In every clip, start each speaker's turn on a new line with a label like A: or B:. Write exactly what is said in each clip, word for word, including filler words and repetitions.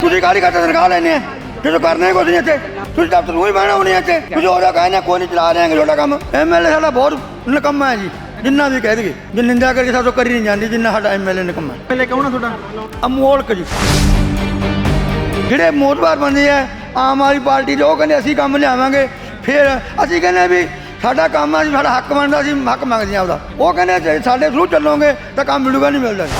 A: ਤੁਸੀਂ ਕਾਹਦੀ ਖਾਤਰ ਤਨਖਾਹ ਲੈਣੇ ਆ ਜਦੋਂ ਕਰਨਾ ਕੁਝ ਨਹੀਂ ਇੱਥੇ ਤੁਸੀਂ ਦਫ਼ਤਰ ਨੂੰ ਹੀ ਬਹਿਣਾ ਹੋਣੇ ਇੱਥੇ ਤੁਸੀਂ ਉਹਦਾ ਕਹਿੰਦੇ ਕੋਈ ਨਹੀਂ ਚਲਾ ਰਹੇ ਤੁਹਾਡਾ ਕੰਮ ਐਮ ਐਲ ਏ ਸਾਡਾ ਬਹੁਤ ਨਿਕੰਮਾ ਹੈ ਜੀ ਜਿੰਨਾ ਵੀ ਕਹਿ ਦਈਏ ਜੇ ਨਿੰਦਾ ਕਰਕੇ ਸਾਥੋਂ ਕਰੀ ਨਹੀਂ ਜਾਂਦੀ ਜਿੰਨਾ ਸਾਡਾ ਐਮ ਐਲ ਏ ਨਿਕੰਮਾ
B: ਪਹਿਲੇ ਕੌਣ ਆ ਤੁਹਾਡਾ
A: ਅਮੋਲਕ ਜੀ ਜਿਹੜੇ ਮੋਤਬਾਰ ਬੰਦੇ ਆ ਆਮ ਆਦਮੀ ਪਾਰਟੀ ਦੇ ਉਹ ਕਹਿੰਦੇ ਅਸੀਂ ਕੰਮ ਲਿਆਵਾਂਗੇ ਫਿਰ ਅਸੀਂ ਕਹਿੰਦੇ ਵੀ ਸਾਡਾ ਕੰਮ ਆ ਜੀ ਸਾਡਾ ਹੱਕ ਬਣਦਾ ਅਸੀਂ ਹੱਕ ਮੰਗਦੇ ਹਾਂ ਉਹਦਾ ਉਹ ਕਹਿੰਦੇ ਸਾਡੇ ਥਰੂ ਚੱਲੋਗੇ ਤਾਂ ਕੰਮ ਮਿਲੂਗਾ ਨਹੀਂ ਮਿਲਦਾ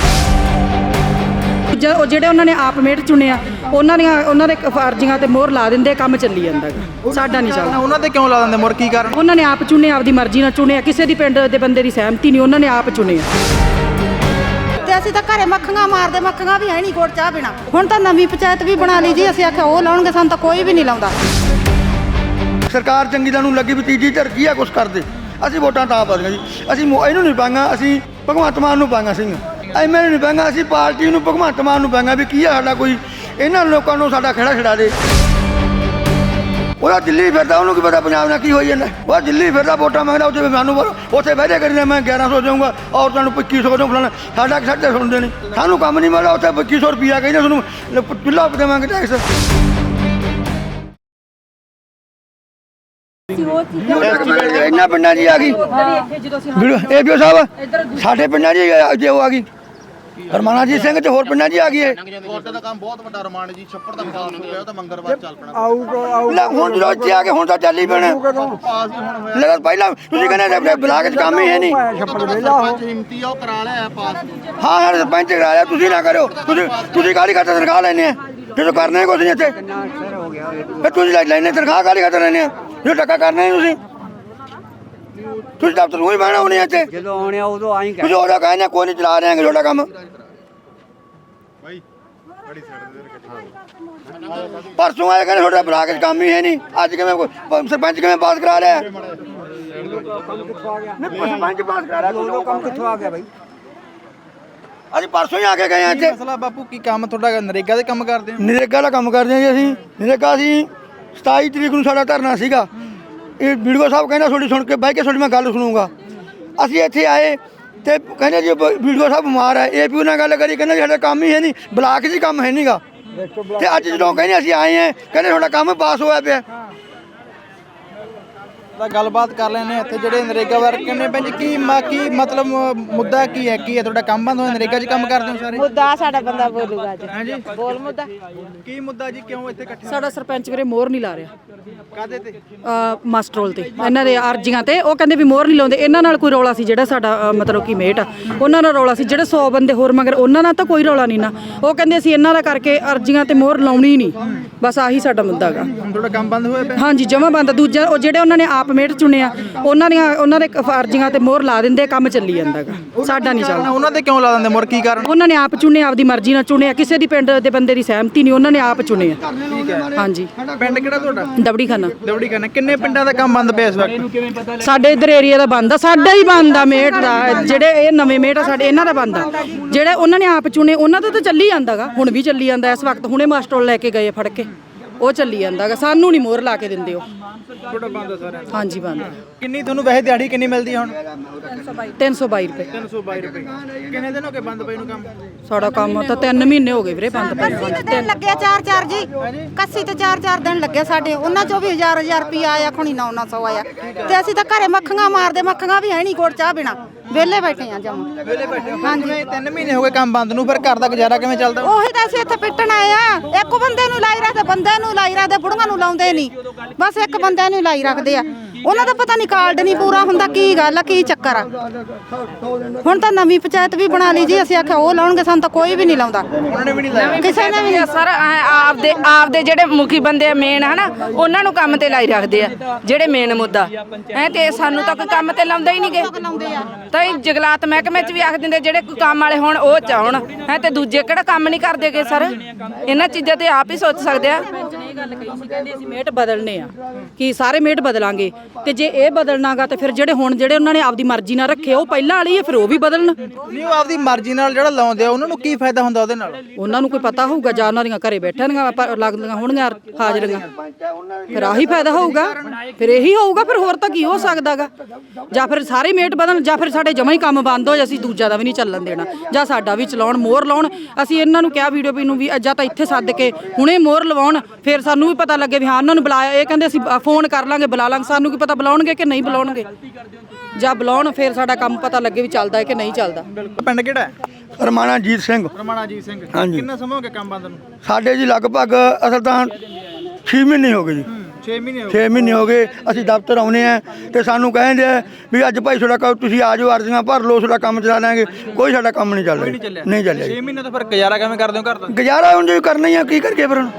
C: ਉਹ ਜਿਹੜੇ ਉਹਨਾਂ ਨੇ ਆਪ ਮੇਟ ਚੁਣਿਆ ਉਹਨਾਂ ਦੀਆਂ ਉਹਨਾਂ ਦੇ ਫਰਜ਼ੀਆਂ ਤੇ ਮੋਹਰ ਲਾ ਦਿੰਦੇ ਕੰਮ ਚੱਲੀ ਜਾਂਦਾ ਸਾਡਾ ਨਹੀਂ ਚੱਲਦਾ
B: ਉਹਨਾਂ ਤੇ ਕਿਉਂ ਲਾ ਦਿੰਦੇ ਮੋਹਰ ਕੀ ਕਾਰਨ
C: ਉਹਨਾਂ ਨੇ ਆਪ ਚੁਣਿਆ ਆਪਦੀ ਮਰਜ਼ੀ ਨਾਲ ਚੁਣਿਆ ਕਿਸੇ ਦੀ ਪਿੰਡ ਦੇ ਬੰਦੇ ਦੀ ਸਹਿਮਤੀ ਨਹੀਂ ਉਹਨਾਂ ਨੇ ਆਪ ਚੁਣਿਆ
D: ਤੇ ਅਸੀਂ ਤਾਂ ਘਰੇ ਮੱਖੀਆਂ ਮਾਰਦੇ ਮੱਖੀਆਂ ਵੀ ਹੈ ਨਹੀਂ ਕੋਟ ਚਾਹ ਬਿਨਾ ਹੁਣ ਤਾਂ ਨਵੀਂ ਪੰਚਾਇਤ ਵੀ ਬਣਾ ਲਈ ਜੀ ਅਸੀਂ ਆਖਿਆ ਉਹ ਲਾਉਣਗੇ ਸਾਨੂੰ ਤਾਂ ਕੋਈ ਵੀ ਨਹੀਂ ਲਾਉਂਦਾ
A: ਸਰਕਾਰ ਚੰਗੀ ਤਾਂ ਨੂੰ ਲੱਗੀ ਵੀ ਤੀਜੀ ਧਿਰ ਕੀ ਆ ਕੁਛ ਕਰਦੇ ਅਸੀਂ ਵੋਟਾਂ ਤਾਂ ਪਾ ਦਿੰਦੇ ਜੀ ਅਸੀਂ ਇਹਨੂੰ ਨਹੀਂ ਪਾਂਗਾ ਅਸੀਂ ਭਗਵੰਤ ਮਾਨ ਨੂੰ ਪਾਂਗਾ ਸਿੰਘ ਐਮ ਐਲ ਏ ਨਹੀਂ ਪਾਂਗਾ ਅਸੀਂ ਪਾਰਟੀ ਨੂੰ ਭਗਵੰਤ ਮਾਨ ਨੂੰ ਪਾਂਗਾ ਵੀ ਕੀ ਆ ਸਾਡਾ ਕੋਈ ਇਹਨਾਂ ਲੋਕਾਂ ਨੂੰ ਸਾਡਾ ਖੜਾ ਛਡਾ ਦੇ ਉਹਦਾ ਦਿੱਲੀ ਫਿਰਦਾ ਉਹਨੂੰ ਕੀ ਪਤਾ ਪੰਜਾਬ ਨਾਲ ਕੀ ਹੋਈ ਜਾਂਦਾ ਉਹ ਦਿੱਲੀ ਫਿਰਦਾ ਵੋਟਾਂ ਮੰਗਦਾ ਉੱਥੇ ਸਾਨੂੰ ਬੋਲੋ ਉੱਥੇ ਬਹਿ ਜਾ ਕਰੀ ਮੈਂ ਗਿਆਰਾਂ ਸੌ ਦੇਊਂਗਾ ਔਰਤਾਂ ਨੂੰ ਪੱਚੀ ਸੌ ਦੇਊਂ ਫਲਾਣਾ ਸਾਡਾ ਸਾਡੇ ਸੁਣਦੇ ਨਹੀਂ ਸਾਨੂੰ ਕੰਮ ਨਹੀਂ ਮਿਲਦਾ ਉੱਥੇ ਪੱਚੀ ਸੌ ਰੁਪਈਆ ਕਹਿੰਦੇ ਤੁਹਾਨੂੰ ਚੁੱਲ੍ਹਾ ਦੇਵਾਂਗੇ ਟੈਕਸ ਇਹਨਾਂ ਪਿੰਡਾਂ ਦੀ ਆ ਗਈ ਇਹ ਵੀ ਸਾਹਿਬ ਸਾਡੇ ਪਿੰਡਾਂ ਦੀ ਜੇ ਉਹ ਆ ਗਈ ਰਮਾਣਾ ਜੀ ਸਿੰਘ ਤੇ ਹੋਰ ਪਿੰਡਾਂ ਦੀ ਆ ਗਈ ਹੈ
E: ਕੋਟੇ ਦਾ ਕੰਮ ਬਹੁਤ ਵੱਡਾ ਰਮਾਨ ਜੀ ਛੱਪੜ ਦਾ ਵਿਕਾਸ ਹੋ ਗਿਆ ਤਾਂ ਮੰਗਲਵਾਰ ਚੱਲ ਪੈਣਾ
A: ਲੈ ਹੁਣ ਜਦੋਂ ਇੱਥੇ ਆ ਕੇ ਹੁਣ ਤਾਂ ਚੱਲ ਹੀ ਪੈਣਾ ਲੈ ਪਹਿਲਾਂ ਤੁਸੀਂ ਕਹਿੰਦੇ ਬਲਾਕ 'ਚ ਕੰਮ ਹੀ ਹੈ ਨਹੀਂ
E: ਸਰਪੰਚ ਹਿੰਮਤੀ ਆ ਉਹ ਕਰਾ ਲਿਆ ਪਾਸ
A: ਹਾਂ ਹਾਂ ਸਰਪੰਚ ਕਰਾ ਲਿਆ ਤੁਸੀਂ ਨਾ ਕਰਿਓ ਤੁਸੀਂ ਤੁਸੀਂ ਕਾਹਦੀ ਖਾਤਰ ਤਨਖਾਹ ਲੈਣੇ ਆ ਜਦੋਂ ਕਰਨਾ ਕੁਝ ਨਹੀਂ ਇੱਥੇ ਫਿਰ ਤੁਸੀਂ ਲੈਣੇ ਤਨਖਾਹ ਕਾਹਦੀ ਖਾਤਰ ਲੈਣੇ ਆ ਜੋ ਟੱਕਾ ਕਰਨਾ ਹੀ ਤੁਸੀਂ ਤੁਸੀਂ ਦਫ਼ਤਰ ਨੂੰ ਹੀ ਬਹਿਣਾ ਹੋਣੇ ਇੱਥੇ
F: ਜਦੋਂ ਆਉਣੇ ਉਦੋਂ ਆਈ
A: ਤੁਸੀਂ ਉਹਦਾ ਕਹਿੰਦੇ ਕੋਈ ਨਹੀਂ ਚਲਾ ਰਹੇ ਤੁਹਾਡਾ ਕੰਮ ਪਰਸੋਂ ਆਇਆ ਕਹਿੰਦੇ ਤੁਹਾਡਾ ਬਲਾਕ 'ਚ ਕੰਮ ਹੀ ਹੈ ਨਹੀਂ ਅੱਜ ਕਿਵੇਂ ਸਰਪੰਚ ਕਿਵੇਂ ਪਾਸ ਕਰਾ ਰਿਹਾ ਸਰਪੰਚ ਪਾਸ ਕਰਾ ਰਿਹਾ
F: ਉਦੋਂ ਕੰਮ ਕਿੱਥੋਂ ਆ ਗਿਆ ਬਾਈ
A: ਅਸੀਂ ਪਰਸੋਂ ਹੀ ਆ ਕੇ ਗਏ ਆ ਇੱਥੇ
B: ਮਸਲਾ ਬਾਪੂ ਕੀ ਕੰਮ ਤੁਹਾਡਾ ਨਰੇਗਾ ਦੇ ਕੰਮ ਕਰਦੇ ਹੋ
A: ਨਰੇਗਾ ਦਾ ਕੰਮ ਕਰਦੇ ਹਾਂ ਜੀ ਅਸੀਂ ਨਰੇਗਾ ਅਸੀਂ ਸਤਾਈ ਤਰੀਕ ਨੂੰ ਸਾਡਾ ਧਰਨਾ ਸੀਗਾ ਇਹ ਵੀਡੀਓ ਸਾਹਿਬ ਕਹਿੰਦਾ ਤੁਹਾਡੀ ਸੁਣ ਕੇ ਬਹਿ ਕੇ ਤੁਹਾਡੀ ਮੈਂ ਗੱਲ ਸੁਣੂਗਾ ਅਸੀਂ ਇੱਥੇ ਆਏ ਤੇ ਕਹਿੰਦੇ ਜੀ ਵੀਡੀਓ ਸਾਹਿਬ ਬਿਮਾਰ ਹੈ ਏ ਪੀ ਨਾਲ ਗੱਲ ਕਰੀ ਕਹਿੰਦੇ ਸਾਡਾ ਕੰਮ ਹੀ ਹੈ ਨਹੀਂ ਬਲਾਕ 'ਚ ਕੰਮ ਹੈ ਨਹੀਂਗਾ ਤੇ ਅੱਜ ਜਦੋਂ ਕਹਿੰਦੇ ਅਸੀਂ ਆਏ ਹਾਂ ਕਹਿੰਦੇ ਤੁਹਾਡਾ ਕੰਮ ਪਾਸ ਹੋਇਆ ਪਿਆ
B: ਤਾਂ ਗੱਲਬਾਤ ਕਰ ਲੈਣੇ ਇੱਥੇ ਜਿਹੜੇ ਨਰੇਗਾ ਵਰਕ ਨੇ ਭੈਣ ਜੀ ਕੀ ਮਾ ਕੀ ਮਤਲਬ ਮੁੱਦਾ ਕੀ ਹੈ ਕੀ ਹੈ ਤੁਹਾਡਾ ਕੰਮ ਬੰਦ ਹੋਇਆ ਨਰੇਗਾ 'ਚ ਕੰਮ ਕਰਦੇ ਹੋ ਸਾਰੇ
D: ਮੁੱਦਾ ਸਾਡਾ ਬੰਦਾ ਬੋਲੂਗਾ ਜੀ
B: ਹਾਂਜੀ
D: ਬੋਲ ਮੁੱਦਾ
B: ਕੀ ਮੁੱਦਾ ਜੀ ਕਿਉਂ ਇੱਥੇ ਇਕੱਠੇ
C: ਸਾਡਾ ਸਰਪੰਚ ਵੀਰੇ ਮੋਹਰ ਨਹੀਂ ਲਾ ਰਿਹਾ
B: ਕਾਦੇ ਤੇ
C: ਮਾਸਟਰੋਲ ਤੇ ਇਹਨਾਂ ਦੇ ਅਰਜ਼ੀਆਂ ਤੇ ਉਹ ਕਹਿੰਦੇ ਵੀ ਮੋਹਰ ਨਹੀਂ ਲਾਉਂਦੇ ਇਹਨਾਂ ਨਾਲ ਕੋਈ ਰੌਲਾ ਸੀ ਜਿਹੜਾ ਸਾਡਾ ਅ, ਮਤਲਬ ਕਿ ਮੇਟ ਆ ਉਹਨਾਂ ਨਾਲ ਰੌਲਾ ਸੀ ਜਿਹੜੇ ਸੌ ਬੰਦੇ ਹੋਰ ਮਗਰ ਉਹਨਾਂ ਨਾਲ ਤਾਂ ਕੋਈ ਰੌਲਾ ਨਹੀਂ ਨਾ ਉਹ ਕਹਿੰਦੇ ਅਸੀਂ ਇਹਨਾਂ ਦਾ ਕਰਕੇ ਅਰਜ਼ੀਆਂ ਤੇ ਮੋਹਰ ਲਾਉਣੀ ਨਹੀਂ ਬਸ ਆਹੀ ਸਾਡਾ ਮੁੱਦਾ ਹੈਗਾ
B: ਹੁਣ ਤੁਹਾਡਾ ਕੰਮ ਬੰਦ ਹੋਇਆ ਪਿਆ
C: ਹਾਂਜੀ ਜਮਾਂ ਬੰਦ ਦੂਜਾ ਉਹ ਜਿਹੜੇ ਉਹਨਾਂ ਨੇ ਆਪ ਮੇਟ ਚੁਣਿਆ ਉਹਨਾਂ ਦੀਆਂ ਉਹਨਾਂ ਦੇ ਅਰਜ਼ੀਆਂ ਤੇ ਮੋਹਰ ਲਾ ਦਿੰਦੇ ਕੰਮ ਚੱਲੀ ਜਾਂਦਾ ਹੈਗਾ ਸਾਡਾ ਨਹੀਂ ਚੱਲਦਾ
B: ਉਹਨਾਂ ਤੇ ਕਿਉਂ ਲਾ ਦਿੰਦੇ ਮੋਹਰ ਕੀ ਕਾਰਨ
C: ਉਹਨਾਂ ਨੇ ਆਪ ਚੁਣਿਆ ਆਪਦੀ ਮਰਜ਼ੀ ਨਾਲ ਚੁਣਿਆ ਕਿਸੇ ਦੀ ਪਿੰਡ ਦੇ ਬੰਦੇ ਦੀ ਸਹਿਮਤੀ ਨਹੀਂ ਉਹਨਾਂ ਨੇ ਆਪ ਚੁਣਿਆ ਹਾਂਜੀ
B: ਪਿੰਡ ਕਿਹੜਾ ਤੁਹਾਡਾ
C: ਦਬੜੀ ਖਾਨਾ
B: ਦਵੜੀ ਕਰਨਾ ਕਿੰਨੇ ਪਿੰਡਾਂ ਦਾ ਕੰਮ ਬੰਦ ਪਿਆ ਇਸ ਵਕਤ
C: ਸਾਡੇ ਇਧਰ ਏਰੀਆ ਦਾ ਬੰਦ ਆ ਸਾਡਾ ਹੀ ਬੰਦ ਆ ਮੇਟ ਦਾ ਜਿਹੜੇ ਇਹ ਨਵੇਂ ਮੇਟ ਆ ਸਾਡੇ ਇਹਨਾਂ ਦਾ ਬੰਦ ਆ ਜਿਹੜੇ ਉਹਨਾਂ ਨੇ ਆਪ ਚੁਣੇ ਉਹਨਾਂ ਦਾ ਤਾਂ ਚੱਲੀ ਜਾਂਦਾਗਾ ਹੁਣ ਵੀ ਚੱਲੀ ਜਾਂਦਾ ਇਸ ਵਕਤ ਹੁਣੇ ਮਾਸਟਰ ਲੈ ਕੇ ਗਏ ਫੜ ਕੇ ਉਹ ਚੱਲੀ ਜਾਂਦਾਗਾ ਸਾਨੂੰ ਨਹੀਂ ਮੋਹਰ ਲਾ ਕੇ ਦਿੰਦੇ ਉਹ
B: ਤੁਹਾਡਾ ਬੰਦ ਆ ਸਾਰਿਆਂ ਦਾ
C: ਹਾਂਜੀ ਬੰਦ
B: ਕਿੰਨੀ ਤੁਹਾਨੂੰ ਵੈਸੇ ਦਿਹਾੜੀ ਕਿੰਨੀ ਮਿਲਦੀ ਹੈ ਹੁਣ
C: ਤਿੰਨ ਸੌ ਬਾਈ ਰੁਪਏ
B: ਤਿੰਨ ਸੌ ਬਾਈ ਰੁਪਏ ਕਿੰਨੇ ਦਿਨ ਹੋ ਗਏ ਬੰਦ ਪਏ ਨੂੰ ਕੰਮ
C: ਸਾਡਾ ਕੰਮ ਤਾਂ ਤਿੰਨ ਮਹੀਨੇ ਹੋ ਗਏ ਵੀਰੇ ਬੰਦ ਪਏ ਨੂੰ।
D: ਕੱਸੀ ਤੇ ਦਿਨ ਲੱਗਿਆ ਚਾਰ ਚਾਰ ਜੀ ਕੱਸੀ ਤੇ ਚਾਰ ਚਾਰ ਦਿਨ ਲੱਗੇ ਸਾਡੇ ਉਹਨਾਂ ਚੋਂ ਵੀ ਹਜ਼ਾਰ ਹਜ਼ਾਰ ਰੁਪਿਆ ਆਇਆ ਖੁਣੀ ਨੌ ਨੌ ਸੌ ਆਇਆ ਤੇ ਅਸੀਂ ਤਾਂ ਘਰੇ ਮੱਖੀਆਂ ਮਾਰਦੇ ਮੱਖੀਆਂ ਵੀ ਹੈ ਨਹੀਂ ਕੋਟ ਚਾਹ ਬਿਨਾ ਵਿਹਲੇ ਬੈਠੇ ਆ ਜਮ
B: ਵੇਲੇ ਬੈਠੇ ਹਾਂਜੀ ਤਿੰਨ ਮਹੀਨੇ ਹੋ ਗਏ ਕੰਮ ਬੰਦ ਨੂੰ ਫਿਰ ਘਰ ਦਾ ਗੁਜ਼ਾਰਾ ਕਿਵੇਂ ਚੱਲਦਾ
D: ਉਹੀ ਤਾਂ ਅਸੀਂ ਇੱਥੇ ਪਿੱਟਣ ਆਏ ਆ ਇੱਕ ਬੰਦੇ ਨੂੰ ਲਾਈ ਰੱਖਦੇ ਬੰਦੇ ਨੂੰ ਲਾਈ ਰੱਖਦੇ ਬੁੜੀਆਂ ਨੂੰ ਲਾਉਂਦੇ ਨਹੀਂ ਬਸ ਇੱਕ ਬੰਦੇ ਨੂੰ ਲਾਈ ਰੱਖਦੇ ਆ ਉਹਨਾਂ ਦਾ ਪਤਾ ਨਹੀਂ ਕਾਰਡ ਨਹੀਂ ਪੂਰਾ ਹੁੰਦਾ ਕੀ ਗੱਲ ਆ ਕੀ ਚੱਕਰ ਆ ਹੁਣ ਤਾਂ ਨਵੀਂ ਪੰਚਾਇਤ ਵੀ ਬਣਾ ਲਈ ਜੀ ਅਸੀਂ ਆਖਿਆ ਉਹ ਲਾਉਣਗੇ ਸਾਨੂੰ ਤਾਂ ਕੋਈ ਵੀ ਨਹੀਂ ਲਾਉਂਦਾ
B: ਉਹਨਾਂ ਨੇ ਵੀ ਨਹੀਂ ਲਾਇਆ
D: ਕਿਸੇ ਨੇ ਵੀ
G: ਸਰ ਆਪਦੇ ਆਪਦੇ ਜਿਹੜੇ ਮੁਖੀ ਬੰਦੇ ਆ ਮੇਨ ਹਨਾ ਉਹਨਾਂ ਨੂੰ ਕੰਮ ਤੇ ਲਾਈ ਰੱਖਦੇ ਆ ਜਿਹੜੇ ਮੇਨ ਮੁੱਦਾ ਐ ਤੇ ਸਾਨੂੰ ਤਾਂ ਕੋਈ ਕੰਮ ਤੇ ਲਾਉਂਦਾ ਹੀ ਨਹੀਂਗੇ ਤਾਂ ਇਹ ਜਗਲਾਤ ਮਹਿਕਮੇ 'ਚ ਵੀ ਆਖ ਦਿੰਦੇ ਜਿਹੜੇ ਕੋਈ ਕੰਮ ਵਾਲੇ ਹੋਣ ਉਹ ਚਾਹਣ ਹੈ ਤੇ ਦੂਜੇ ਕਿਹੜਾ ਕੰਮ ਨਹੀਂ ਕਰਦੇਗੇ ਸਰ ਇਹਨਾਂ ਚੀਜ਼ਾਂ ਤੇ ਆਪ ਹੀ ਸੋਚ ਸਕਦੇ ਆ
C: ਇਹ ਗੱਲ ਕਹੀ ਸੀ ਕਹਿੰਦੇ ਅਸੀਂ ਮੇਟ ਬਦਲਨੇ ਆ ਕਿ ਸਾਰੇ ਮੇਟ ਬਦਲਾਂਗੇ ਤੇ ਜੇ ਇਹ ਬਦਲਣਾਗਾ ਤੇ ਫਿਰ ਜਿਹੜੇ ਹੁਣ ਜਿਹੜੇ ਉਹਨਾਂ ਨੇ ਆਪਦੀ ਮਰਜ਼ੀ ਨਾਲ ਰੱਖੇ ਉਹ ਪਹਿਲਾਂ ਵਾਲੀ ਹੈ ਫਿਰ ਉਹ ਵੀ ਬਦਲਣ।
B: ਨਹੀਂ ਉਹ ਆਪਦੀ ਮਰਜ਼ੀ ਨਾਲ ਜਿਹੜਾ ਲਾਉਂਦੇ ਆ ਉਹਨਾਂ ਨੂੰ ਕੀ ਫਾਇਦਾ ਹੁੰਦਾ ਉਹਦੇ ਨਾਲ?
C: ਉਹਨਾਂ ਨੂੰ ਕੋਈ ਪਤਾ ਹੋਊਗਾ ਜਾਂ ਉਹਨਾਂ ਦੀਆਂ ਘਰੇ ਬੈਠਣਗੀਆਂ ਪਰ ਲੱਗਦੀਆਂ ਹੋਣਗੀਆਂ ਹਾਜ਼ਰੀਆਂ ਫਿਰ ਆਹੀ ਫਾਇਦਾ ਹੋਊਗਾ ਫਿਰ ਇਹੀ ਹੋਊਗਾ ਫਿਰ ਹੋਰ ਤਾਂ ਕੀ ਹੋ ਸਕਦਾਗਾ ਜਾਂ ਫਿਰ ਸਾਰੇ ਮੇਟ ਬਦਲਣ ਜਾਂ ਫਿਰ ਸਾਡੇ ਜਮਾਂ ਹੀ ਕੰਮ ਬੰਦ ਹੋ ਜਾ ਅਸੀਂ ਦੂਜਾ ਦਾ ਵੀ ਨਹੀਂ ਚੱਲਣ ਦੇਣਾ ਜਾਂ ਸਾਡਾ ਵੀ ਚਲਾਉਣ ਮੋਹਰ ਲਾਉਣ। ਅਸੀਂ ਇਹਨਾਂ ਨੂੰ ਕਿਹਾ ਵੀਡੀਓ ਪੀ ਨੂੰ ਵੀ ਜਾਂ ਤਾਂ ਇੱਥੇ ਸੱਦ ਕੇ ਹੁਣੇ ਮੋਹਰ ਲਵਾਉਣ ਫਿਰ ਸਾਨੂੰ ਵੀ ਪਤਾ ਲੱਗੇ ਵੀ ਹਾਂ ਉਹਨਾਂ ਨੂੰ ਬੁਲਾਇਆ ਇਹ ਕਹਿੰਦੇ ਅਸੀਂ ਫੋਨ ਕਰ ਲਾਂਗੇ ਬੁਲਾ ਲਾਂਗੇ ਸਾਨੂੰ ਕੀ ਪਤਾ ਬੁਲਾਉਣਗੇ ਕਿ ਨਹੀਂ ਬੁਲਾਉਣਗੇ ਜਾਂ ਬੁਲਾਉਣ ਫਿਰ ਸਾਡਾ ਕੰਮ ਪਤਾ ਲੱਗੇ ਵੀ ਚੱਲਦਾ ਹੈ ਕਿ ਨਹੀਂ ਚੱਲਦਾ।
B: ਪਿੰਡ ਕਿਹੜਾ ਹੈ?
A: ਰਮਾਣਾ ਜੀਤ ਸਿੰਘ।
B: ਰਮਾਣਾ ਜੀਤ ਸਿੰਘ।
A: ਹਾਂਜੀ।
B: ਕਿੰਨਾ ਸਮਾਂ ਹੋ ਗਿਆ ਕੰਮ ਬੰਦ ਨੂੰ?
A: ਸਾਡੇ ਜੀ ਲਗਭਗ ਅਸਲ ਤਾਂ ਛੇ ਮਹੀਨੇ ਹੋ ਗਏ ਜੀ
B: ਛੇ ਮਹੀਨੇ ਹੋ
A: ਛੇ ਮਹੀਨੇ ਹੋ ਗਏ ਅਸੀਂ ਦਫ਼ਤਰ ਆਉਨੇ ਆ ਤੇ ਸਾਨੂੰ ਕਹਿੰਦੇ ਆ ਵੀ ਅੱਜ ਭਾਈ ਤੁਹਾਡਾ ਕੰਮ ਤੁਸੀਂ ਆ ਜਾਓ ਅਰਜ਼ੀਆਂ ਭਰ ਲਓ ਤੁਹਾਡਾ ਕੰਮ ਚਲਾ ਲਾਂਗੇ ਕੋਈ ਸਾਡਾ ਕੰਮ ਨਹੀਂ ਚੱਲ ਰਿਹਾ ਨਹੀਂ ਚੱਲਿਆ
B: ਛੇ ਮਹੀਨੇ ਤੋਂ ਫਿਰ ਗੁਜ਼ਾਰਾ ਕਿਵੇਂ ਕਰਦੇ ਹੋ ਘਰ ਦਾ?
A: ਗੁਜ਼ਾਰਾ ਹੁਣ ਜੀ ਕਰਨਾ ਹੀ ਆ ਕੀ ਕਰਕੇ ਫਿਰ ਹੁਣ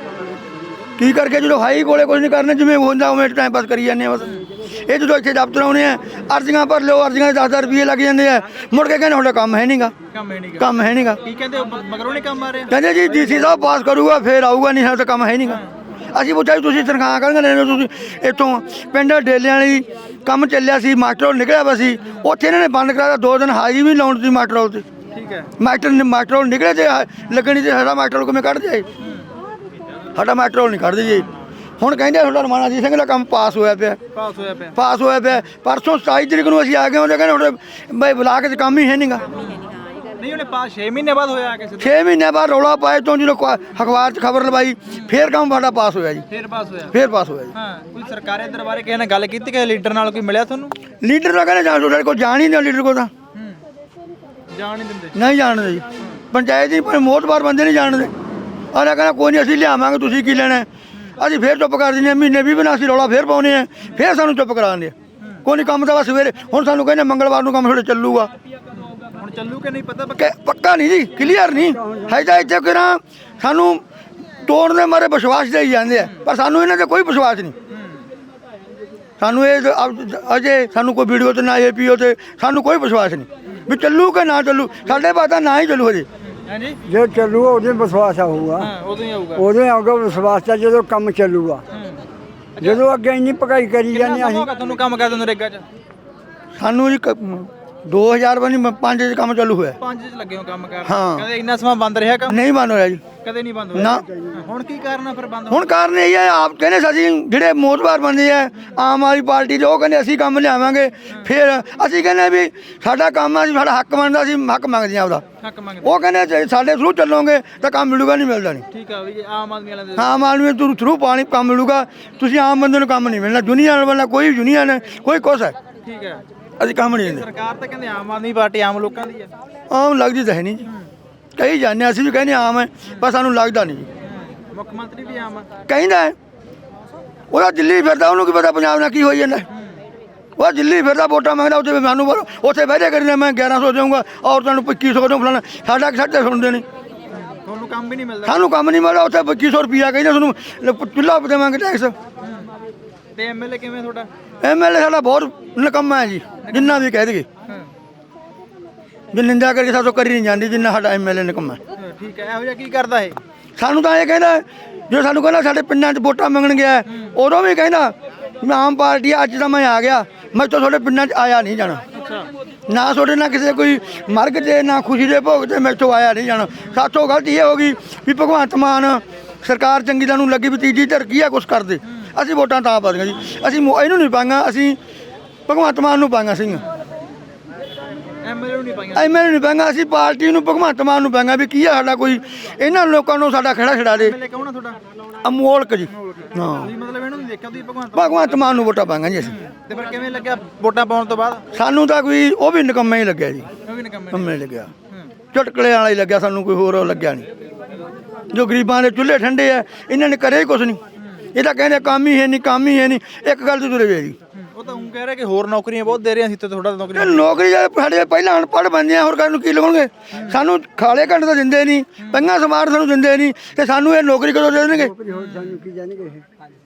A: ਕੀ ਕਰਕੇ ਜਦੋਂ ਹਾਈ ਕੋਲੇ ਕੁਝ ਨਹੀਂ ਕਰਨਾ ਜਿਵੇਂ ਹੁੰਦਾ ਉਵੇਂ ਟਾਈਮ ਪਾਸ ਕਰੀ ਜਾਂਦੇ ਆ ਬਸ। ਇਹ ਜਦੋਂ ਇੱਥੇ ਦਫ਼ਤਰ ਆਉਨੇ ਆ ਅਰਜ਼ੀਆਂ ਭਰ ਲਓ ਅਰਜ਼ੀਆਂ ਦੇ ਦਸ ਹਜ਼ਾਰ ਰੁਪਏ ਲੱਗ ਜਾਂਦੇ ਆ ਮੁੜ ਕੇ ਕਹਿੰਦੇ ਤੁਹਾਡਾ ਕੰਮ ਹੈ ਨਹੀਂਗਾ
B: ਕੰਮ ਹੈ ਨਹੀਂਗਾ
A: ਕੰਮ ਹੈ ਨਹੀਂਗਾ
B: ਕੀ ਕਹਿੰਦੇ ਮਗਰੋਂ ਨਹੀਂ ਕੰਮ ਆ ਰਿਹਾ?
A: ਕਹਿੰਦੇ ਜੀ ਡੀਸੀ ਸਾਹਿਬ ਪਾਸ ਕਰੂਗਾ ਫਿਰ ਆਊਗਾ ਨਹੀਂ ਤਾਂ ਕੰਮ ਹੈ ਨਹੀਂਗਾ। ਅਸੀਂ ਪੁੱਛਿਆ ਜੀ ਤੁਸੀਂ ਤਨਖਾਹ ਕਾਹਦੀਆਂ ਲੈਂਦੇ ਹੋ ਤੁਸੀਂ ਇੱਥੋਂ ਪਿੰਡ ਡੇਲਿਆਂ ਵਾਲੀ ਕੰਮ ਚੱਲਿਆ ਸੀ ਮਾਸਟਰ ਨਿਕਲਿਆ ਵਾ ਸੀ ਉੱਥੇ ਇਹਨਾਂ ਨੇ ਬੰਦ ਕਰਾਇਆ ਦੋ ਦਿਨ ਹਾਜ਼ਰੀ ਵੀ ਲਾਉਣ ਸੀ ਮਾਸਟਰ ਤੇ
B: ਠੀਕ ਹੈ
A: ਮਾਸਟਰ ਨੇ ਮਾਸਟਰ ਨਿਕਲੇ ਤੇ ਲੱਗਣੀ ਤੇ ਸਾਡਾ ਮਾਸਟਰ ਕਿਵੇਂ ਕੱਢ ਜਾਏ ਸਾਡਾ ਮਾਸਟਰ ਨਹੀਂ ਕੱਢਦੇ ਜੀ। ਹੁਣ ਕਹਿੰਦੇ ਤੁਹਾਡਾ ਰਮਾਣਾ ਜੀ ਸਿੰਘ ਦਾ ਕੰਮ ਪਾਸ ਹੋਇਆ ਪਿਆ
B: ਪਾਸ ਹੋਇਆ ਪਿਆ
A: ਪਾਸ ਹੋਇਆ ਪਿਆ ਪਰਸੋਂ ਸਤਾਈ ਤਰੀਕ ਨੂੰ ਅਸੀਂ ਆ ਗਏ ਉਹਦੇ ਕਹਿੰਦੇ ਤੁਹਾਡੇ ਬਈ ਬਲਾਕ 'ਚ ਕੰਮ ਹੀ ਹੈ ਨਹੀਂਗਾ।
B: ਨਹੀਂ ਉਹਨੇ ਪਾਸ ਛੇ ਮਹੀਨੇ ਬਾਅਦ ਹੋਇਆ ਕਿਸੇ
A: ਛੇ ਮਹੀਨੇ ਬਾਅਦ ਰੌਲਾ ਪਾਏ ਤੋਂ ਜਦੋਂ ਅਖਬਾਰ 'ਚ ਖਬਰ ਲਵਾਈ ਫੇਰ ਕੰਮ ਸਾਡਾ ਪਾਸ ਹੋਇਆ ਜੀ
B: ਫਿਰ ਪਾਸ ਹੋਇਆ
A: ਫੇਰ ਪਾਸ ਹੋਇਆ ਜੀ।
B: ਹਾਂ ਕੋਈ ਸਰਕਾਰੀ ਦਰਬਾਰੇ ਕਿਸੇ ਨਾਲ ਗੱਲ ਕੀਤੀ ਕਿ ਲੀਡਰ ਨਾਲ ਕੋਈ ਮਿਲਿਆ ਤੁਹਾਨੂੰ?
A: ਲੀਡਰ ਦਾ ਕਹਿੰਦੇ ਜਾਣ ਤੁਹਾਡੇ ਕੋਲ ਜਾਣ ਹੀ ਨਹੀਂ ਲੀਡਰ ਕੋਲ ਤਾਂ
B: ਜਾਣ ਨਹੀਂ ਦਿੰਦੇ
A: ਨਹੀਂ ਜਾਣਦੇ ਜੀ ਪੰਚਾਇਤ ਦੀ ਪਰ ਮੋਹਤਬਾਰ ਬੰਦੇ ਨਹੀਂ ਜਾਣਦੇ ਅਰੇ ਕਹਿੰਦਾ ਕੋਈ ਨਹੀਂ ਅਸੀਂ ਲਿਆਵਾਂਗੇ ਤੁਸੀਂ ਕੀ ਲੈਣਾ ਅਸੀਂ ਫੇਰ ਚੁੱਪ ਕਰ ਦਿੰਦੇ ਹਾਂ ਮਹੀਨੇ ਵੀ ਬਿਨਾਂ ਅਸੀਂ ਰੌਲਾ ਫੇਰ ਪਾਉਂਦੇ ਆ ਫੇਰ ਸਾਨੂੰ ਚੁੱਪ ਕਰਾਉਂਦੇ ਆ ਕੋਈ ਨਹੀਂ ਕੰਮ ਤਾਂ ਬਸ ਸਵੇਰੇ ਹੁਣ ਸਾਨੂੰ ਕਹਿੰਦੇ ਮੰਗਲਵਾਰ ਨੂੰ ਕੰਮ ਤੁਹਾਡੇ ਚੱਲੂਗਾ
B: ਹੁਣ ਚੱਲੂ ਕਿ ਨਹੀਂ ਪਤਾ
A: ਕਿ ਪੱਕਾ ਨਹੀਂ ਜੀ ਕਲੀਅਰ ਨਹੀਂ ਹੈ ਤਾਂ ਇੱਥੇ ਕਿਹੜਾ ਸਾਨੂੰ ਤੋੜਨ ਦੇ ਮਾਰੇ ਵਿਸ਼ਵਾਸ ਦੇਈ ਜਾਂਦੇ ਆ ਪਰ ਸਾਨੂੰ ਇਹਨਾਂ ਤੇ ਕੋਈ ਵਿਸ਼ਵਾਸ ਨਹੀਂ ਸਾਨੂੰ ਇਹ ਅਜੇ ਸਾਨੂੰ ਕੋਈ ਵੀਡੀਓ ਤੇ ਨਾ ਏ ਪੀਓ ਤੇ ਸਾਨੂੰ ਕੋਈ ਵਿਸ਼ਵਾਸ ਨਹੀਂ ਵੀ ਚੱਲੂ ਕਿ ਨਾ ਚੱਲੂ ਸਾਡੇ ਬਾਤ ਨਾ ਹੀ ਚੱਲੂ ਹਜੇ
B: ਹਾਂਜੀ
F: ਜੇ ਚੱਲੂਗਾ ਉਹਦੇ ਵਿਸ਼ਵਾਸ ਆਊਗਾ
B: ਹਾਂ ਉਦੋਂ ਹੀ ਆਊਗਾ
F: ਉਦੋਂ ਹੀ ਆਊਗਾ ਵਿਸ਼ਵਾਸ ਤਾਂ ਜਦੋਂ ਕੰਮ ਚੱਲੂਗਾ ਜਦੋਂ ਅੱਗੇ ਇੰਨੀ ਪਕਾਈ ਕਰੀ ਜਾਂਦੇ ਅਸੀਂ
B: ਤੁਹਾਨੂੰ ਕੰਮ ਕਰਦੇ ਨਰੇਗਾ 'ਚ
A: ਸਾਨੂੰ ਜੀ ਦੋ ਹਜ਼ਾਰ ਬਣੀ ਪੰਜ 'ਚ ਕੰਮ ਚਾਲੂ ਹੋਇਆ
B: ਪੰਜ 'ਚ ਲੱਗੇ ਹੋ ਕੰਮ ਕਰਨ
A: ਹਾਂ।
B: ਕਹਿੰਦੇ ਇੰਨਾ ਸਮਾਂ ਬੰਦ ਰਿਹਾ ਕੰਮ
A: ਨਹੀਂ ਬੰਦ ਹੋਇਆ ਜੀ
B: ਕਦੇ ਨਹੀਂ ਬੰਦ ਹੋਇਆ
A: ਨਾ
B: ਹੁਣ ਕੀ ਕਾਰਨ ਆ ਫਿਰ ਬੰਦ
A: ਹੁਣ ਕਾਰਨ ਇਹ ਹੈ ਆਪ ਕਹਿੰਦੇ ਸੀ ਅਸੀਂ ਜਿਹੜੇ ਮੋਤਬਾਰ ਬੰਦੇ ਆ ਆਮ ਆਦਮੀ ਪਾਰਟੀ ਦੇ ਉਹ ਕਹਿੰਦੇ ਅਸੀਂ ਕੰਮ ਲਿਆਵਾਂਗੇ ਫਿਰ ਅਸੀਂ ਕਹਿੰਦੇ ਵੀ ਸਾਡਾ ਕੰਮ ਆ ਜੀ ਸਾਡਾ ਹੱਕ ਬਣਦਾ ਅਸੀਂ ਹੱਕ ਮੰਗਦੇ ਆ ਉਹਦਾ
B: ਹੱਕ ਮੰਗਦੇ
A: ਉਹ ਕਹਿੰਦੇ ਜੇ ਸਾਡੇ ਥਰੂ ਚੱਲੋਗੇ ਤਾਂ ਕੰਮ ਮਿਲੂਗਾ ਨਹੀਂ ਮਿਲਦਾ ਨਹੀਂ
B: ਠੀਕ ਆ ਵੀ ਜੇ ਆਮ ਆਦਮੀ ਵਾਲਿਆਂ ਦੇ
A: ਆਮ ਆਦਮੀ ਤੋਂ ਥਰੂ ਪਾਣੀ ਕੰਮ ਮਿਲੂਗਾ ਤੁਸੀਂ ਆਮ ਬੰਦੇ ਨੂੰ ਕੰਮ ਨਹੀਂ ਮਿਲਣਾ ਦੁਨੀਆ ਵਾਲਾ ਕੋਈ ਯੂਨੀਅਨ ਕੋਈ ਕੁਛ ਹੈ
B: ਠੀਕ ਹੈ
A: ਅਸੀਂ ਕੰਮ ਨਹੀਂ ਦਿੰਦੇ
B: ਸਰਕਾਰ ਤਾਂ ਕਹਿੰਦੇ ਆਮ ਆਦਮੀ ਪਾਰਟੀ ਆਮ ਲੋਕਾਂ ਦੀ ਹੈ
A: ਆਮ ਲੱਗਦੀ ਤਾਂ ਹੈ ਨਹੀਂ ਜੀ ਕਹੀ ਜਾਂਦੇ ਅਸੀਂ ਵੀ ਕਹਿੰਦੇ ਆਮ ਹੈ ਪਰ ਸਾਨੂੰ ਲੱਗਦਾ ਨਹੀਂ ਜੀ
B: ਮੁੱਖ ਮੰਤਰੀ ਵੀ ਆਮ ਆ
A: ਕਹਿੰਦਾ ਹੈ। ਉਹਦਾ ਦਿੱਲੀ ਫਿਰਦਾ ਉਹਨੂੰ ਕੀ ਪਤਾ ਪੰਜਾਬ ਨਾਲ ਕੀ ਹੋਈ ਜਾਂਦਾ ਉਹ ਦਿੱਲੀ ਫਿਰਦਾ ਵੋਟਾਂ ਮੰਗਦਾ ਉੱਥੇ ਸਾਨੂੰ ਬੋਲੋ ਉੱਥੇ ਬਹਿ ਜਾ ਕਰੀ ਮੈਂ ਗਿਆਰਾਂ ਸੌ ਦੇਊਂਗਾ ਔਰਤਾਂ ਨੂੰ ਪੱਚੀ ਸੌ ਦਊਂ ਫਲਾਣਾ ਸਾਡਾ ਸਾਡੇ ਸੁਣਦੇ ਨਹੀਂ
B: ਤੁਹਾਨੂੰ ਕੰਮ ਵੀ ਨਹੀਂ ਮਿਲਦਾ
A: ਸਾਨੂੰ ਕੰਮ ਨਹੀਂ ਮਿਲਦਾ ਉੱਥੇ ਪੱਚੀ ਸੌ ਰੁਪਈਆ ਕਹਿੰਦੇ ਤੁਹਾਨੂੰ ਚੁੱਲ੍ਹਾ ਦੇਵਾਂਗੇ ਟੈਕਸ
B: ਤੇ ਐਮਐਲਏ ਕਿਵੇਂ ਤੁਹਾਡਾ
A: ਐਮ ਐਲ ਏ ਸਾਡਾ ਬਹੁਤ ਨਿਕੰਮਾ ਹੈ ਜੀ ਜਿੰਨਾ ਵੀ ਕਹਿ ਦੇਗੇ ਜੇ ਨਿੰਦਾ ਕਰਕੇ ਸਾਥੋਂ ਕਰੀ ਨਹੀਂ ਜਾਂਦੀ ਜਿੰਨਾ ਸਾਡਾ ਐਮ ਐਲ ਏ ਨਿਕੰਮਾ
B: ਹਾਂ, ਠੀਕ ਹੈ ਇਹੋ ਜਿਹਾ ਕੀ ਕਰਦਾ ਇਹ
A: ਸਾਨੂੰ ਤਾਂ ਇਹ ਕਹਿੰਦਾ ਜੋ ਸਾਨੂੰ ਕਹਿੰਦਾ ਸਾਡੇ ਪਿੰਡਾਂ 'ਚ ਵੋਟਾਂ ਮੰਗਣ ਗਿਆ ਉਦੋਂ ਵੀ ਕਹਿੰਦਾ ਮੈਂ ਆਮ ਪਾਰਟੀ ਅੱਜ ਤਾਂ ਮੈਂ ਆ ਗਿਆ ਮੈਂ ਤਾਂ ਤੁਹਾਡੇ ਪਿੰਡਾਂ 'ਚ ਆਇਆ ਨਹੀਂ ਜਾਣਾ ਨਾ ਤੁਹਾਡੇ ਨਾਲ ਕਿਸੇ ਕੋਈ ਮਰਗ 'ਤੇ ਨਾ ਖੁਸ਼ੀ ਦੇ ਭੋਗ 'ਤੇ ਮੈਂ ਤੋਂ ਆਇਆ ਨਹੀਂ ਜਾਣਾ ਸਾਥੋਂ ਗਲਤੀ ਇਹ ਹੋ ਗਈ ਵੀ ਭਗਵੰਤ ਮਾਨ ਸਰਕਾਰ ਚੰਗੀ ਦਾ ਨੂੰ ਲੱਗੀ ਵੀ ਤੀਜੀ ਧਿਰ ਕੀ ਆ ਕੁਛ ਕਰਦੇ ਅਸੀਂ ਵੋਟਾਂ ਤਾਂ ਪਾਈਆਂ ਜੀ ਅਸੀਂ ਇਹਨੂੰ ਨਹੀਂ ਪਾਈਆਂ ਅਸੀਂ ਭਗਵੰਤ ਮਾਨ ਨੂੰ ਪਾਈਆਂ ਸੀ
B: ਐਮਐਲਏ ਨੂੰ ਨਹੀਂ ਪਾਈਆਂ
A: ਐਮ ਐਲ ਏ ਨਹੀਂ ਪਾਈਆਂ ਅਸੀਂ ਪਾਰਟੀ ਨੂੰ ਭਗਵੰਤ ਮਾਨ ਨੂੰ ਪਾਈਆਂ ਵੀ ਕੀ ਆ ਸਾਡਾ ਕੋਈ ਇਹਨਾਂ ਲੋਕਾਂ ਨੂੰ ਸਾਡਾ ਖੜਾ ਛਡਾ ਦੇ
B: ਐਮਐਲਏ ਕੌਣ ਆ ਤੁਹਾਡਾ
A: ਅਮੋਲਕ ਜੀ ਹਾਂ
B: ਤੁਸੀਂ ਮਤਲਬ ਇਹਨੂੰ ਨਹੀਂ ਦੇਖਿਆ ਤੁਸੀਂ ਭਗਵੰਤ
A: ਭਗਵੰਤ ਮਾਨ ਨੂੰ ਵੋਟਾਂ ਪਾਈਆਂ ਜੀ ਅਸੀਂ
B: ਤੇ ਫਿਰ ਕਿਵੇਂ ਲੱਗਿਆ ਵੋਟਾਂ ਪਾਉਣ ਤੋਂ ਬਾਅਦ
A: ਸਾਨੂੰ ਤਾਂ ਕੋਈ ਉਹ ਵੀ ਨਿਕੰਮਾ ਹੀ ਲੱਗਿਆ ਜੀ
B: ਉਹ ਵੀ ਨਿਕੰਮੇ
A: ਕੰਮੇ ਲੱਗਿਆ ਚਟਕਲੇ ਵਾਲਾ ਹੀ ਲੱਗਿਆ ਸਾਨੂੰ ਕੋਈ ਹੋਰ ਲੱਗਿਆ ਨਹੀਂ ਜੋ ਗਰੀਬਾਂ ਦੇ ਚੁੱਲ੍ਹੇ ਠੰਡੇ ਆ ਇਹਨਾਂ ਨੇ ਕਰਿਆ ਹੀ ਕੁਛ ਨਹੀਂ ਇਹ ਤਾਂ ਕਹਿੰਦੇ ਕੰਮ ਹੀ ਹੈ ਨਹੀਂ ਕੰਮ ਹੀ ਹੈ ਨਹੀਂ ਇੱਕ ਗੱਲ ਤੇ ਤੁਰੇ ਗਏ ਜੀ
B: ਉਹ ਤਾਂ ਉਹ ਕਹਿ ਰਿਹਾ ਕਿ ਹੋਰ ਨੌਕਰੀਆਂ ਬਹੁਤ ਦੇ ਰਹੇ ਸੀ ਤੇ ਥੋੜਾ ਨੌਕਰੀ
A: ਇਹ ਨੌਕਰੀ ਜਿਹੜੇ ਸਾਡੇ ਪਹਿਲਾਂ ਅਨਪੜ੍ਹ ਬੰਦੇ ਆ ਹੋਰ ਕਰਨ ਨੂੰ ਕੀ ਲਵਾਂਗੇ ਸਾਨੂੰ ਖਾਲੇ ਘੰਟੇ ਤਾਂ ਦਿੰਦੇ ਨਹੀਂ ਪੰਗਾ ਸਮਾਰ ਸਾਨੂੰ ਦਿੰਦੇ ਨਹੀਂ ਤੇ ਸਾਨੂੰ ਇਹ ਨੌਕਰੀ ਕਦੋਂ ਦੇ ਦੇਣਗੇ
F: ਸਾਨੂੰ ਕੀ ਜਾਣਗੇ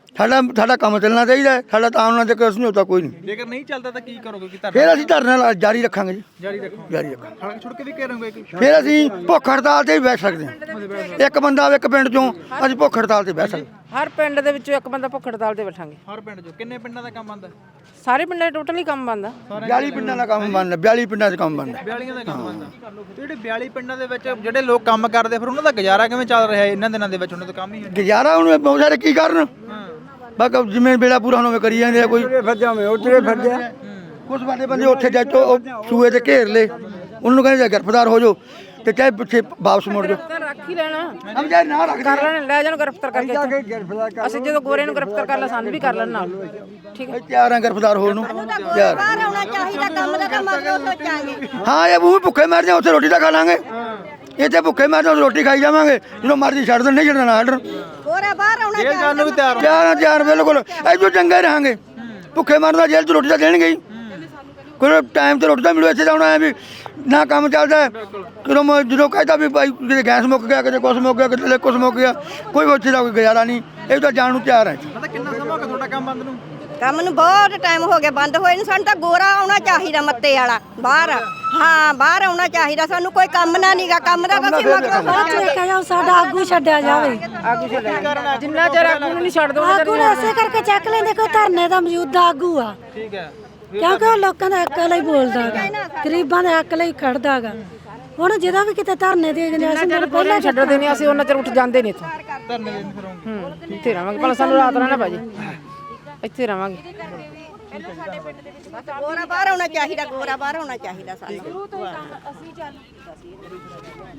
A: ਸਾਡਾ ਸਾਡਾ ਕੰਮ ਚੱਲਣਾ ਚਾਹੀਦਾ ਹੈ, ਸਾਡਾ ਤਾਂ ਉਹਨਾਂ ਦੇ ਕੋਈ ਸਮਝੌਤਾ ਕੋਈ ਨਹੀਂ।
B: ਜੇਕਰ ਨਹੀਂ ਚੱਲਦਾ ਤਾਂ ਕੀ ਕਰੋਗੇ? ਕੀ ਧਰਨਾ
A: ਫਿਰ ਅਸੀਂ ਧਰਨਾ ਲਾ- ਜਾਰੀ ਰੱਖਾਂਗੇ ਜੀ,
B: ਜਾਰੀ ਰੱਖੋਗੇ?
A: ਜਾਰੀ ਰੱਖਾਂਗੇ।
B: ਸੜਕ ਛੁੱਟ ਕੇ ਵੀ ਕਰੋਗੇ ਕਿ
A: ਫਿਰ ਅਸੀਂ ਭੁੱਖ ਹੜਤਾਲ ਤੇ ਵੀ ਬੈਠ ਸਕਦੇ ਹਾਂ। ਇੱਕ ਬੰਦਾ ਆਵੇ ਇੱਕ ਪਿੰਡ ਚੋਂ, ਅਸੀਂ ਭੁੱਖ ਹੜਤਾਲ ਤੇ ਬੈਠ ਸਕਦੇ ਹਾਂ।
G: ਹਰ ਪਿੰਡ ਦੇ ਵਿੱਚੋਂ ਇੱਕ ਬੰਦਾ ਭੁੱਖ ਹੜਤਾਲ ਤੇ ਬੈਠਾਂਗੇ।
B: ਹਰ ਪਿੰਡ 'ਚੋਂ ਕਿੰਨੇ ਪਿੰਡਾਂ ਦਾ ਕੰਮ ਆਉਂਦਾ?
G: ਸਾਰੇ ਪਿੰਡਾਂ 'ਚ ਟੋਟਲੀ ਕੰਮ ਬੰਦਾ।
A: ਬਿਆਲੀ ਪਿੰਡਾਂ ਦਾ ਕੰਮ ਬਣਦਾ, ਬਿਆਲੀ ਪਿੰਡਾਂ 'ਚ ਕੰਮ ਬਣਦਾ।
B: ਬਿਆਲੀਆਂ ਦਾ ਕੰਮ ਆਉਂਦਾ। ਤੇ ਜਿਹੜੇ ਬਿਆਲੀ ਪਿੰਡਾਂ ਦੇ ਵਿੱਚ ਜਿਹੜੇ ਲੋਕ ਕੰਮ ਕਰਦੇ ਫਿਰ ਉਹਨਾਂ ਦਾ ਗੁਜ਼ਾਰਾ ਕਿਵੇਂ ਚੱਲ ਰਿਹਾ ਇਹਨਾਂ ਦਿਨਾਂ ਦੇ ਵਿੱਚ? ਉਹਨਾਂ ਦਾ ਕੰਮ ਹੀ ਹੈ
A: ਗੁਜ਼ਾਰਾ ਹੁਣ ਬਹੁਤ ਸਾਰੇ ਕੀ ਕਰਨ, ਬਸ ਜਿਵੇਂ ਵੇਲਾ ਪੂਰਾ ਹੋਣਾ ਹੋਵੇ ਕਰੀ ਜਾਂਦੇ ਆ। ਕੋਈ
F: ਫਿਰਦਿਆਂ ਮੈਂ ਉਤਰੇ ਫਿਰਦਿਆਂ
A: ਕੁਝ ਬੰਦੇ ਬੰਦੇ ਉੱਥੇ ਜਾ ਕੇ ਉਹ ਸੂਏ ਤੇ ਘੇਰ ਲੇ, ਉਹਨਾਂ ਨੂੰ ਕਹਿੰਦੇ ਗ੍ਰਿਫਤਾਰ ਹੋ ਜਾਓ ਤੇ ਚਾਹੇ ਪਿੱਛੇ ਵਾਪਸ ਮੁੜ ਜਾਓ।
G: ਰੱਖ ਹੀ ਲੈਣਾ,
A: ਹਮ ਜੇ ਨਾ ਰੱਖ
G: ਕਰ ਲੈਣ, ਲੈ ਜਾਣ ਗ੍ਰਿਫਤਾਰ ਕਰਕੇ ਇੱਥੇ। ਅਸੀਂ ਜਦੋਂ ਗੋਰੇ ਨੂੰ ਗ੍ਰਿਫਤਾਰ ਕਰ ਲਾ ਸਾਨੂੰ ਵੀ ਕਰ ਲੈਣ ਨਾਲ। ਠੀਕ ਹੈ,
A: ਤਿਆਰ ਆ ਗ੍ਰਿਫਤਾਰ ਹੋਣ ਨੂੰ ਤਿਆਰ।
D: ਬਾਹਰ ਆਉਣਾ ਚਾਹੀਦਾ, ਕੰਮ ਦਾ ਤਾਂ ਮਗਰੋਂ ਸੋਚਾਂਗੇ।
A: ਹਾਂ ਇਹ ਉਹ ਭੁੱਖੇ ਮਰ ਜਾ, ਉੱਥੇ ਰੋਟੀ ਤਾਂ ਖਾ ਲਾਂਗੇ। ਇੱਥੇ ਭੁੱਖੇ ਮਰ ਜਾ, ਰੋਟੀ ਖਾਈ ਜਾਵਾਂਗੇ। ਜਦੋਂ ਮਰਜ਼ੀ ਛੱਡ ਦੇਣ, ਨਹੀਂ ਛੱਡਣਾ ਛੱਡਣ।
D: ਗੋਰਾ ਬਾਹਰ ਆਉਣਾ
B: ਜੇਲ੍ਹ ਜਾਣ ਨੂੰ ਵੀ ਤਿਆਰ ਹੋ।
A: ਤਿਆਰ ਆ ਤਿਆਰ, ਬਿਲਕੁਲ ਐਜੋ ਚੰਗੇ ਰਹਾਂਗੇ। ਭੁੱਖੇ ਮਰਦਾ ਜੇਲ੍ਹ 'ਚ ਰੋਟੀ ਤਾਂ ਦੇਣਗੇ ਹੀ, ਕੋਈ ਟਾਈਮ ਤੇ ਰੋਟੀ ਤਾਂ ਮਿਲੂ। ਇੱਥੇ ਤਾਂ ਹੁਣ ਐ ਵੀ ਨਾ ਕੰਮ ਚੱਲਦਾ, ਜਦੋਂ ਮੈਂ ਜਦੋਂ ਕਹਿੰਦਾ ਵੀ ਭਾਈ ਕਿਤੇ ਗੈਸ ਮੁੱਕ ਗਿਆ, ਕਿਤੇ ਕੁਛ ਮੁੱਕ ਗਿਆ, ਕਿਤੇ ਕੁਛ ਮੁੱਕ ਗਿਆ, ਕੋਈ ਉੱਥੇ ਦਾ ਕੋਈ ਗੁਜ਼ਾਰਾ ਨਹੀਂ। ਇਹ ਤਾਂ ਜਾਣ ਨੂੰ ਤਿਆਰ ਹੈ।
B: ਪਤਾ ਕਿੰਨਾ ਸਮਾਂ ਹੋ ਗਿਆ ਤੁਹਾਡਾ ਕੰਮ ਬੰਦ ਨੂੰ?
D: ਕੰਮ ਨੂੰ ਬਹੁਤ ਟਾਈਮ ਹੋ ਗਿਆ ਬੰਦ ਹੋਏ ਨੂੰ। ਸਾਨੂੰ ਤਾਂ ਗੋਰਾ ਆਉਣਾ ਚਾਹੀਦਾ, ਮੱਤੇ ਵਾਲਾ ਬਾਹਰ। ਹਾਂ ਬਾਹਰ ਆਉਣਾ ਚਾਹੀਦਾ ਸਾਨੂੰ। ਕੋਈ ਕੰਮ ਨਾ ਨੀਗਾ, ਕੰਮ ਦਾ ਤਾਂ ਅਸੀਂ ਮਗਰੋਂ
H: ਦੇਖਿਆ ਜਾਓ, ਸਾਡਾ ਆਗੂ ਛੱਡਿਆ ਜਾਵੇ।
G: ਆਗੂ ਛੱਡਣਾ ਜਿੰਨਾ ਚਿਰ ਆਗੂ ਨੂੰ ਨਹੀਂ ਛੱਡ ਦੋ
H: ਆਗੂ ਨੂੰ ਐਸੇ ਕਰਕੇ ਚੱਕ ਲੈਂਦੇ ਕੋਈ ਧਰਨੇ ਦਾ ਮੌਜੂਦਾ ਆਗੂ ਆ,
B: ਠੀਕ ਹੈ।
H: ਕਿਉਂਕਿ ਉਹ ਲੋਕਾਂ ਦਾ ਹੱਕ ਲਈ ਬੋਲਦਾ ਗਾ, ਗਰੀਬਾਂ ਦੇ ਹੱਕ ਲਈ ਖੜਦਾ ਗਾ। ਹੁਣ ਜਦੋਂ ਵੀ ਕਿਤੇ ਧਰਨੇ ਦੇ ਗਏ ਅਸੀਂ ਤਾਂ
G: ਪਹਿਲਾਂ ਛੱਡਦੇ ਨਹੀਂ, ਅਸੀਂ ਉਹਨਾਂ ਚਿਰ ਉੱਠ ਜਾਂਦੇ ਨਹੀਂ ਇੱਥੋਂ।
B: ਧਰਨੇ ਦੇ ਫਿਰ ਆਉਂਗੇ।
G: ਹੂੰ ਇੱਥੇ ਰਵਾਂਗੇ, ਭਲਾ ਸਾਨੂੰ ਰਾਤ ਰਹਿਣਾ ਭਾਜੀ, ਇੱਥੇ ਰਵਾਂਗੇ।
D: ਗੋਰਾ ਬਾਹਰ ਆਉਣਾ ਚਾਹੀਦਾ, ਗੋਰਾ ਬਾਹਰ ਆਉਣਾ ਚਾਹੀਦਾ ਸਾਨੂੰ।